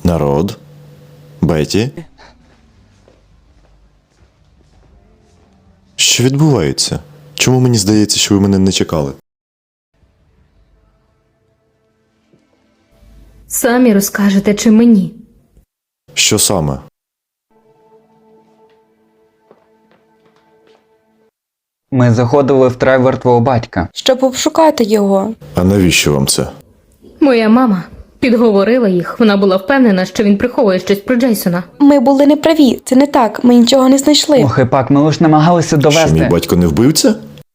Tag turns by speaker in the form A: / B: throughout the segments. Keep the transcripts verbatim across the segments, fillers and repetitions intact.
A: Народ? Беті? Що відбувається? Чому мені здається, що ви мене не чекали?
B: Самі розкажете чи мені?
A: Що саме?
C: Ми заходили в тревер твого батька.
D: Щоб обшукати його.
A: А навіщо вам це?
B: Моя мама підговорила їх. Вона була впевнена, що він приховує щось про Джейсона.
D: Ми були неправі, це не так, ми нічого не знайшли.
C: Ох, і пак, ми лише намагалися довести.
A: Що мій батько не вбивця?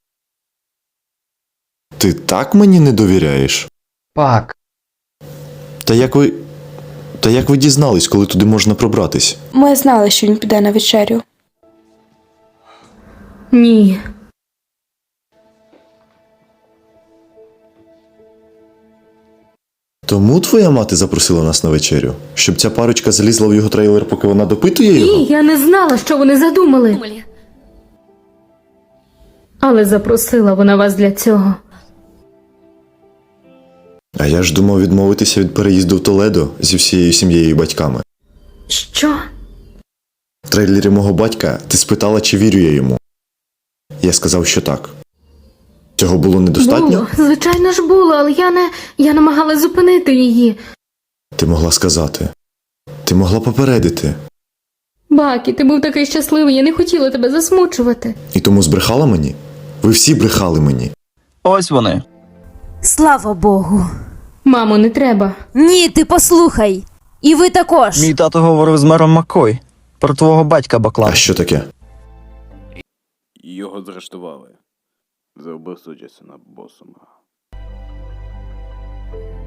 A: Ти так мені не довіряєш?
C: Пак,
A: Та як ви... Та як ви дізнались, коли туди можна пробратись?
D: Ми знали, що він піде на вечерю.
B: Ні.
A: Тому твоя мати запросила нас на вечерю? Щоб ця парочка залізла в його трейлер, поки вона допитує його?
B: Ні, я не знала, що вони задумали. Але запросила вона вас для цього.
A: А я ж думав відмовитися від переїзду в Толедо зі всією сім'єю і батьками.
B: Що?
A: В трейлері мого батька ти спитала, чи вірю я йому. Я сказав, що так. Цього було недостатньо?
B: Було. Звичайно ж було, але я не... Я намагалась зупинити її.
A: Ти могла сказати. Ти могла попередити.
B: Бакі, ти був такий щасливий, я не хотіла тебе засмучувати.
A: І тому збрехала мені? Ви всі брехали мені.
E: Ось вони.
F: Слава Богу.
B: Мамо, не треба.
F: Ні, ти послухай. І ви також.
E: Мій тато говорив з мером Маккой про твого батька
A: А
E: Баклана.
A: що таке?
G: Його заарештували за вбивство Джейсона Босума.